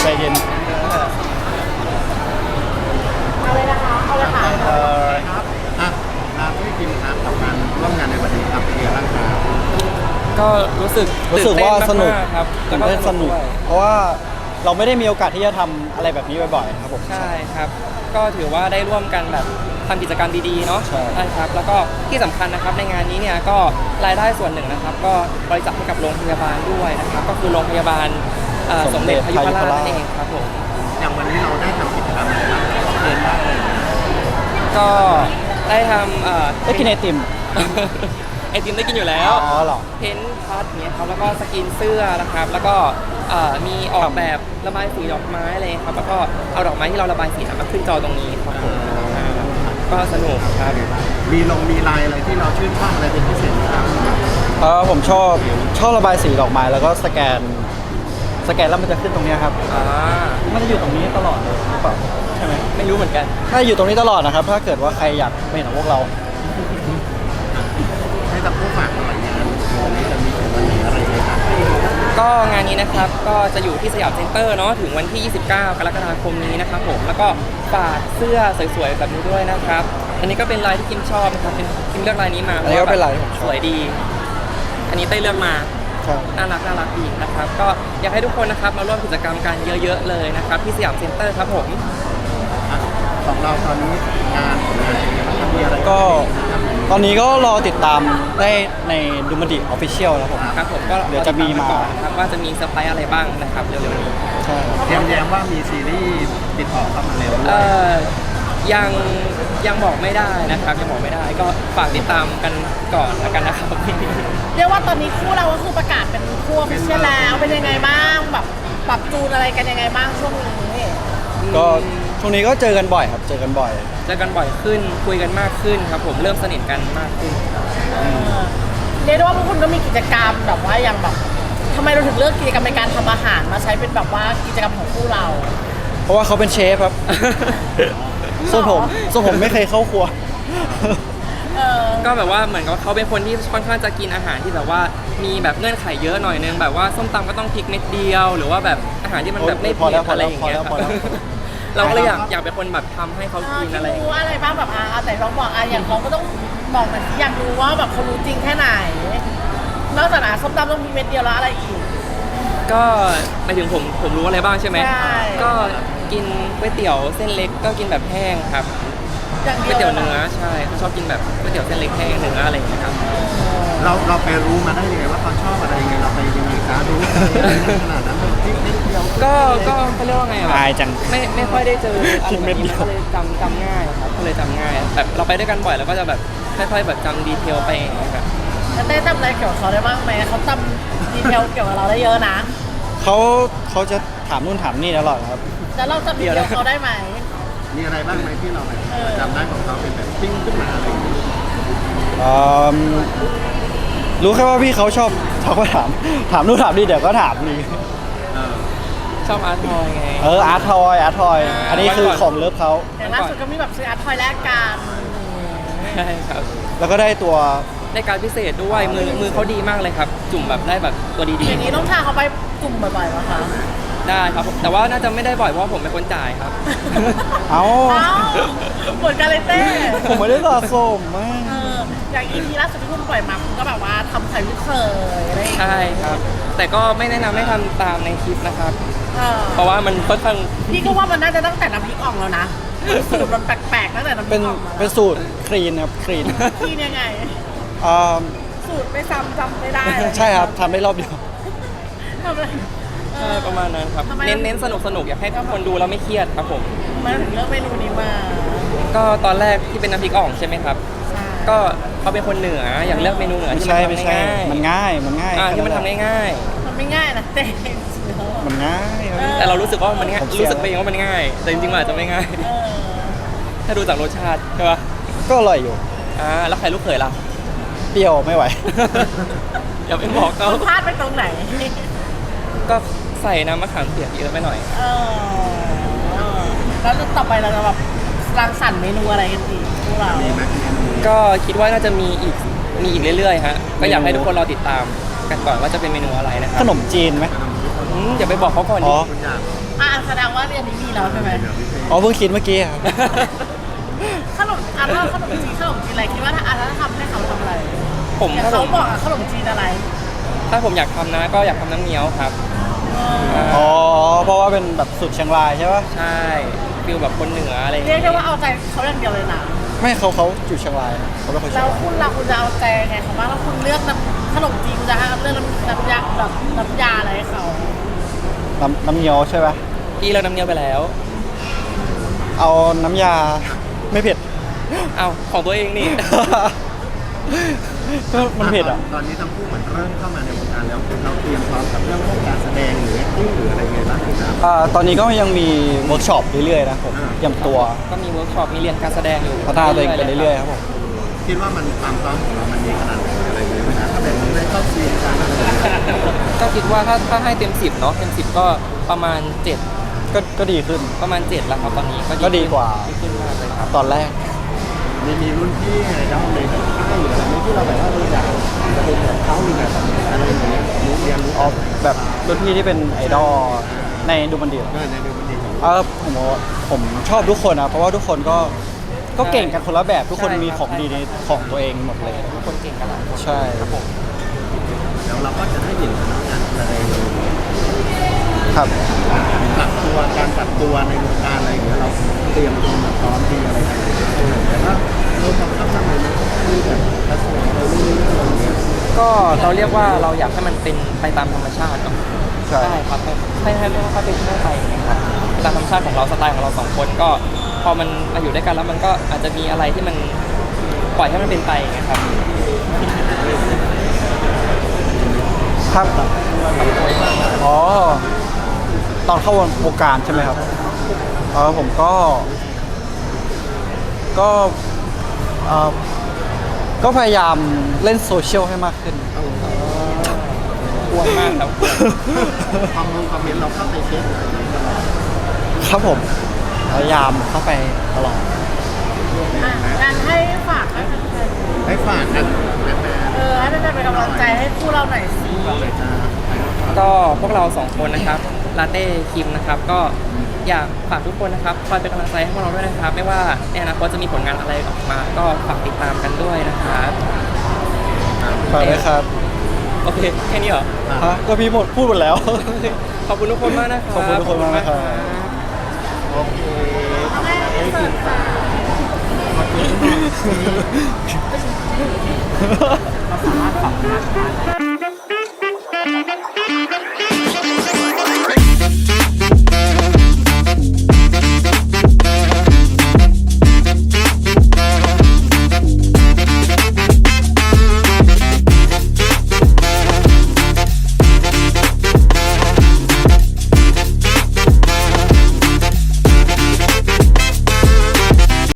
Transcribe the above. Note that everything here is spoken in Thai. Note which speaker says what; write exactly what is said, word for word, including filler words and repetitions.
Speaker 1: ใจเย็น
Speaker 2: เอาเลยนะคะเอาเลยค่ะ
Speaker 3: เออครับอ่ะครับพี่กิมครับกับการร่วมงานในวันนี้ครับเป็นยังไงบ้างครับ
Speaker 4: ก็รู้สึก
Speaker 1: รู้สึกว่าสนุก
Speaker 4: ตื่เต้มๆครับ
Speaker 1: ตื่นเต้นสนุก
Speaker 4: ด้วย
Speaker 1: เพราะว่าเราไม่ได้มีโอกาสที่จะทำอะไรแบบนี้บ่อยๆครับผม
Speaker 4: ใช่ครับ ก็ถือว่าได้ร่วมกันแบบทำกิจกรรมดีๆเนาะ
Speaker 1: ใช่
Speaker 4: ครับแล้วก็ที่สำคัญนะครับในงานนี้เนี่ยก็รายได้ส่วนหนึ่งนะครับ ก็บริจาคให้กับโรงพยาบาลด้วยนะครับ ก็คือโรงพยาบาลเอ่อสมเด็จพยุพราชนั่นเองครับผม
Speaker 3: อย่างวันนี้เราได้ทำกิจกรรมอะไรบ้างเรียนบ้างเลย
Speaker 4: ก็ได้ทำเอ่อ
Speaker 1: ได้กินไอติม
Speaker 4: ไอติมได้กินอยู่แล้ว
Speaker 1: อ๋อเหรอ
Speaker 4: เพ้นท์พัดเนี้ยครับแล้วก็สกรีนเสื้อนะครับ แล้วก็เอ่อมีออกแบบระบายสีดอกไม้อะไรครับแล้วก็เอาดอกไม้ที่เราระบายสีมาขึ้นจอตรงนี้ครับผมอ่าก็สนุกครับ
Speaker 3: มีลงมีลายอะไรที่เราชื่นชอบอะไรเป็นพิเศษไหมครับ
Speaker 1: เออผมชอบชอบระบายสีดอกไม้แล้วก็สแกนสแกนแล้วมันจะขึ้นตรงเนี้ยครับ
Speaker 4: อ่า
Speaker 1: มันจะอยู่ตรงนี้ตลอดเลยหรือเปล่าใช่ไหม
Speaker 4: ไม่รู้เหมือนกัน
Speaker 1: ถ้าอยู่ตรงนี้ตลอดนะครับ ถ้าเกิดว่าใครอยากไม่เห็นของพวกเรา
Speaker 3: ให้กับผู้ฝากหน่อยงานวันนี้จะมีถึงวันไหนอะไรยังไงครับ
Speaker 4: ก็งานนี้นะครับก็จะอยู่ที่สยามเซ็นเตอร์เนาะถึงวันที่ ยี่สิบเก้า กรกฎาคมนี้นะครับผมแล้วก็ฝากเสื้อสวยๆแบบนี้ด้วยนะครับ อันนี้ก็เป็นลายที่คิมชอบนะครับเป็นคิมเลือกลายนี้มา
Speaker 1: อันนี้ก็เป็นลายที่ผมชอบ
Speaker 4: สวยดี อันนี้เต้ยเลือกมา
Speaker 1: ครับ
Speaker 4: น่ารักน่ารักดีนะครับ ก็อยากให้ทุกคนนะครับมาร่วมกิจกรรมกันเยอะๆเลยนะครับที่สยามเซ็นเตอร์ครับผม
Speaker 3: อ่ะของเราตอนนี้งานผลงานเป็นยังไงบ้างครับมีอะไร
Speaker 1: ก็ตอนนี้ก็รอติดตามได้ในดูมันดิออฟฟิเชียลแล้วผม
Speaker 4: ครับผมก็
Speaker 1: เดี๋ยวจะมีมา
Speaker 4: ก่อนนะครับว่าจะมีเซอร์ไพรส์อะไรบ้างนะครับเร็วๆนี้
Speaker 1: ใช่ครับ
Speaker 3: แย้มแย้มว่ามีซีรีส์ติดต่อเข้ามาเร็วด้ว
Speaker 4: เอ่
Speaker 3: ย
Speaker 4: อยังยังบอกไม่ได้นะครับยังบอกไม่ได้ก็ฝากติดตามกันก่อนแล้วกันนะครับ
Speaker 2: เรียกว่าตอนนี้คู่เราก็คือประกาศเป็นคู่ออฟฟิเชียลแล้วเป็นยังไงบ้างแบบปรับจูนอะไรกันยังไงบ้างช่วงนี้
Speaker 1: ก็ช่วงนี้ก็เจอกันบ่อยครับ เจอกันบ่อย
Speaker 4: เจอกันบ่อยขึ้นคุยกันมากขึ้นครับผมเริ่มสนิทกันมากขึ้น
Speaker 2: เออเรียกได้ว่าพวกคุณก็มีกิจกรรมแบบว่าอย่างแบบทำไมเราถึงเลือกกิจกรรมในการทำอาหารมาใช้เป็นแบบว่ากิจกรรมของคู่เรา
Speaker 1: เพราะว่าเขาเป็นเชฟครับ ส่วนผมส่วนผมไม่เคยเข้าครัว
Speaker 2: เออ
Speaker 4: ก็แบบว่าเหมือนกับเขาเป็นคนที่ค่อนข้างจะกินอาหารที่แบบว่ามีแบบเงื่อนไขเยอะหน่อยนึงแบบว่าส้มตำก็ต้องพริกเม็ดเดียว หรือว่าแบบอาหารที่มันแบบไม่
Speaker 1: พอ
Speaker 4: เผ็
Speaker 1: แล้ว
Speaker 4: ด
Speaker 1: พอ
Speaker 4: อะไร
Speaker 1: แล้ว
Speaker 4: อย่างเงี้ย
Speaker 1: พอแล้วพอแล้ว
Speaker 4: เราก็เลยอยากอยากเป็นคนแบบทำให้เขา
Speaker 2: เออ
Speaker 4: กิน
Speaker 2: ที่
Speaker 4: อะไรอย่าง
Speaker 2: รู้
Speaker 4: เงี้ย
Speaker 2: อะไรบ้างแบบอ่ะอ่ะแต่ลองบอกอ่ะอย่างเขาก็ต้องบอกหน่อยสิอยากรู้ว่าแบบเขารู้จริงแค่ไหนนอกจากอ่ะส้มตำต้องมีเม็ดเดียวแล้วอะไรอีก
Speaker 4: ก็หมายถึงผมผมรู้อะไรบ้างใช่ไหม
Speaker 2: ใช่
Speaker 4: ก็กินก๋วยเตี๋ยวเส้นเล็กก็กินแบบแห้งครับ
Speaker 2: อย่าง
Speaker 4: ก๋
Speaker 2: เดี
Speaker 4: วย
Speaker 2: ยว
Speaker 4: เตี๋ยวเนื้อใช่เขาชอบกินแบบก๋วยเตี๋ยวเส้นเล็กแห้งเนื้ออะไรอย่างเงี้ยครับ
Speaker 3: เราเราไปรู้มาได้ยังไงว่าเขาชอบอะไรยังไงเราไปยังไงคะรู้อะไรขนาดนั้นเลยที่นิดเดียว
Speaker 4: ก็ก็เขาเรียกว่าไงอะ
Speaker 1: อายจัง
Speaker 4: ไม่ไม่ค่อยได้เจออะไร
Speaker 1: กิน
Speaker 4: แบ
Speaker 1: เม็
Speaker 4: บ
Speaker 1: ดเดี
Speaker 4: นี้
Speaker 1: ยว
Speaker 4: ก็เลยจำจำง่ายครับก็เลยจำง่ายแบบเราไปด้วยกันบ่อยแล้วก็จะแบบค่อยๆแบบจำดีเทลไปอย่างเงี้ยครับ
Speaker 2: แล้วเต้จำอะไรเกี่ยวกับเขาได้บ้างไหมเขาจำดีเทลเกี่ยวกับเราได้เยอะนะ
Speaker 1: เขาเขาจะถามนู่นถามนี่ตลอดครับ
Speaker 2: แล้วเราจำดีเทลเขาได้ไหม
Speaker 3: มีอะไรบ้างไหมที่เราแบบ
Speaker 2: เออ
Speaker 3: จำได้ของเขาเป็นแบบปิ้งขึ้นมาอะไรอย่างเงี้ย
Speaker 1: เอิ่มรู้แค่ว่าพี่เขาชอบเขาก็ถาม ถามนู่นถามนี่เดี๋ยวก็ถามนี่
Speaker 3: เออ
Speaker 4: ชอบอาร์ตทอยไง
Speaker 1: เอออาร์ตทอยอาร์ตทอย อันนี้คือของเลิฟเขา
Speaker 2: อย่างล่าสุดก็มีแบบซื้ออาร์ตทอยแลกกัน
Speaker 4: ใช่ครับ
Speaker 1: แล้วก็ได้ตัว
Speaker 4: ได้การพิเศษด้วยมือมือเขาดีมากเลยครับ จุ่มแบบได้แบบตัวดี
Speaker 2: อย่างนี้ต้องพาเขาไปจุ่มบ่อยๆป่ะคะ
Speaker 4: ๆได้ครับแต่ว่าน่าจะไม่ได้บ่อยเพราะว่าผมเป็นคนจ่ายครับ
Speaker 1: เอ้า
Speaker 2: เอ้าเหมือนกันเลยเต้
Speaker 1: ผมไม่ได้สะสมมาก
Speaker 2: เอออย่างอีพีล่าสุดที่คุณปล่อยมาคุณก็แบบว่าทำไข่ลูกเคยอะไรอย่างเงี้ย
Speaker 4: ใช่ครับ แต่ก็ไม่แนะนำให้ทำตามในคลิปนะครับ
Speaker 2: เออ
Speaker 4: เพราะว่ามันค่อนข้าง
Speaker 2: พี่ก็ว่ามันน่าจะตั้งแต่น้ำพริกอ่องแล้วนะสูตรมันแปลกๆตั้งแต่น้ำพริ
Speaker 1: เป็น
Speaker 2: กอ่องมา
Speaker 1: เป็นสูตรคลีนครับคลีน
Speaker 2: พี่เนี่ยไง
Speaker 1: อ่า
Speaker 2: สูตรไม่ซ้ำจำไม่ได้
Speaker 1: ใช่ครับทำได้รอบเดียว
Speaker 2: ทำอะไรเอ
Speaker 4: ใช่
Speaker 2: อ
Speaker 4: ประมาณนั้นครับ
Speaker 2: ทำไม
Speaker 4: เน้นเน้นสนุกสนุกอยากให้ทุกคนดูแล้วไม่เครียดครับผม
Speaker 2: ทำไมาถึงเลือกเมนูนี้มา
Speaker 4: ก็ตอนแรกที่เป็นน้ำพริกอ่องใช่ไหมครับ
Speaker 2: ใช่
Speaker 4: ก็เขาเป็นคนเหนืออยากเลือกเมนูเหนือ
Speaker 1: ไม่
Speaker 4: ที่
Speaker 1: ใช่
Speaker 4: มัน
Speaker 1: ไม่
Speaker 4: ทำ
Speaker 1: ใช่
Speaker 4: ง่าย
Speaker 1: มันง่ายมันง่าย
Speaker 4: อ่าที่มันทำง่าย
Speaker 2: มันไม่ง่ายนะเต้
Speaker 1: มันง่ายครับ
Speaker 2: เออ
Speaker 4: ๆแต่เรารู้สึกว่ามันง่าย
Speaker 1: ผมเชียร์
Speaker 4: รู้สึกไปเองว่ามันง่าย แต่จริงๆมันอาจจะไม่ง่าย
Speaker 2: เออ
Speaker 4: ถ้าดูจากรสชาติใช่ปะ
Speaker 1: ก็อร่อยอยู่
Speaker 4: อ่าแล้วใครลูกเขยล่ะ
Speaker 1: เปรี้ยวไม่ไหว
Speaker 4: อย่าไปบอกเขา
Speaker 2: คุณพลาดไปตรงไหน
Speaker 4: ก็ใส่น้ำมะขามเปียกเยอะไปหน่อย
Speaker 2: เออเออแล้วต่อไปเราจะแบบรังสรรค์เมนูอะไรกันอีกพวกเรา
Speaker 3: มีไหมเมนู
Speaker 4: ก็คิดว่าน่าจะมีอีกมีอีกเรื่อยๆฮะก็อยากให้ทุกคนรอติดตามกันก่อนว่าจะเป็นเมนูอะไรนะครั
Speaker 1: ขนมจีนไหม
Speaker 4: อืมอย่าไปบอกเขาก่อน
Speaker 1: อ๋
Speaker 4: ดิ
Speaker 1: อ
Speaker 3: คุณอยาก
Speaker 2: อ่ะแสดงว่าเรียนนี้มีแล้วใช่ไหม
Speaker 1: อ๋อเพิ่งคิดเมื่อกี้ครับ
Speaker 2: ขนมอ่ะถ้าขนมจีนขนมจีนอะไรคิดว่าถ้าอ่ะถ้าทำให้เขาทำอะไร
Speaker 4: ผม
Speaker 2: อย่าง
Speaker 4: ถ้าผ
Speaker 2: เขา
Speaker 4: ม
Speaker 2: บอกอ่ะขนมจีนอะไร
Speaker 4: ถ้าผมอยากทำนะก็อยากทำน้ำเงี้ยวครับ
Speaker 1: อ๋อเพราะว่าเป็นแบบสุดเชียงรายใช่ปะ
Speaker 4: ใช่ฟิลแบบคนเหนืออะไรอย่าง
Speaker 2: เรียก
Speaker 4: เงี้ย
Speaker 2: ได้ว่าเอาใจเขาอย่างเดียวเลยนะ
Speaker 1: ไม่เขาเขาอยู่เชียงรายเขาเป็นคนเชี
Speaker 2: แล้
Speaker 1: ยงราย
Speaker 2: วคุณล่ะคุณจะเอาใจไงเขาบ้างแล้วคุณเลือกน้ำขนมจีนคุณจะให้เลือกน้ำน้ำยาแบบน้ำยาอะไรให้เขา
Speaker 1: น้ำน้ำเงี้ยวใช่ปะ
Speaker 4: พี่เราน้ำเงี้ยวไปแล้ว
Speaker 1: เอาน้ำยาไม่เผ็ด
Speaker 4: เอาของตัวเองนี่
Speaker 1: ก็มันเผ็ดอ่ะ
Speaker 3: ตอนนี้ทั้งคู่เหมือนเริ่มเข้ามาในวงการแล้วเราเตรียมพร้อมกับเรื่องของการแสดงหรือ acting หรืออะไรไงบ้างครับ
Speaker 1: อ่าตอนนี้ก็ยังมีเวิร์กช็อปเรื่อยๆนะผม
Speaker 3: อ่า
Speaker 1: เตรียมตัว
Speaker 4: ก็มีเวิร์กช็อปมีเรียนการแสดงอยู่
Speaker 1: พัฒนาตัวเองไปเรื่อยๆครับผม
Speaker 3: คิดว่ามันความพร้อมของเรามันดีขนาดไหนอะไรอย่างเงี้ยไหมครับถ้าเป็นในเข้าซีนการอะไรอย่างเงี้ย
Speaker 4: ก็คิดว่าถ้าถ้าให้เต็มสิบเนาะเต็มสิบก็ประมาณเจ็ด
Speaker 1: ก็ก็ดีขึ้น
Speaker 4: ประมาณเจ็ดแล้วครับตอนนี้
Speaker 1: ก็ดีกว่า
Speaker 4: ดีขึ้นมากเลยครับ
Speaker 1: ตอนแรก
Speaker 3: มีมีรุ่นพี่ไงด้อมเลยแบบค่ายหรืออะไรไม่ที่เราแบบว่าเราอยากจะเป็นแบบเขาหรือแบบอะไรอย่างเงี้ยรู้เรียนรู้
Speaker 1: อ๋อแบบรุ่นพี่ที่เป็นไอดอลในดูมันดี
Speaker 3: เออในดูมันดีของ
Speaker 1: เออผมว่าผมชอบทุกคนนะเพราะว่าทุกคนก็ก็เก่งกันคนละแบบทุกคนมีของดีในของตัวเองหมดเลย
Speaker 4: ทุกคนเก่งกันหลายคน
Speaker 1: ใช่
Speaker 4: ครับผม
Speaker 3: แล้วเราก็จะได้เห็นการแสดง
Speaker 1: ครับ
Speaker 3: ปรับตัวการปรับตัวในวงการอะไรอย่างเงี้ยเราเตรียมตัวมาพร้อมดีอะไรอย่างเงี้ยแต่ว่าเราทำข้ามทำเลยนะคือแบบกระแสเราเรื่อยๆอะไรอย่างเงี้ย
Speaker 4: ก็เราเรียกว่าเราอยากให้มันเป็นไปตามธรรมชาติเนาะ
Speaker 1: ใช่
Speaker 4: ใช่ครับให้ให้ให้ให้เป็นให้ไปอย่างเงี้ยครับตามธรรมชาติของเราสไตล์ของเราสองคนก็พอมันมาอยู่ด้วยกันแล้วมันก็อาจจะมีอะไรที่มันปล่อยให้มันเป็นไปอย่างเงี้ยครับ
Speaker 1: ครับอ๋อตอนเข้าวงการใช่ไหมครับเออผมก็ ก็เออก็พยายามเล่นโซเชียลให้มากขึ้น
Speaker 4: กวนมากครับ
Speaker 3: คอมเมนต์คอมเมนต์เราเข้าไปเช็คอะไรอย่างเงี้ยตลอด
Speaker 1: ครับผมพยายามเข้าไปตลอด
Speaker 2: อ่ะงานให้ฝากให้แฟน
Speaker 3: ให้ฝากกันแฟน
Speaker 2: ๆเออให้แฟนๆเป็นกำลังใจให้คู่เราหน่อยสิ
Speaker 3: ๆเลยจ้า
Speaker 4: ก็พวกเราสองคนนะครับลาเต้คิมนะครับก็อยากฝากทุกคนนะครับคอยเป็นกำลังใจให้พวกเราด้วยนะครับ ไม่ว่าในอนาคตจะมีผลงานอะไรออกมา ก็ฝากติดตามกันด้วยนะครับ
Speaker 1: ฝากด้วยครับ
Speaker 4: โอเคแค่นี้เหรอ
Speaker 1: ฮะก็พี่หมดพูดหมดแล้ว
Speaker 4: ขอบคุณทุกคนมากนะครับ
Speaker 1: ขอบคุณทุกคนมากนะครับ
Speaker 3: โอเค
Speaker 2: ให้เสิร์ฟค่ะ
Speaker 3: ขอบคุณมาก
Speaker 2: เราสามารถปรับได้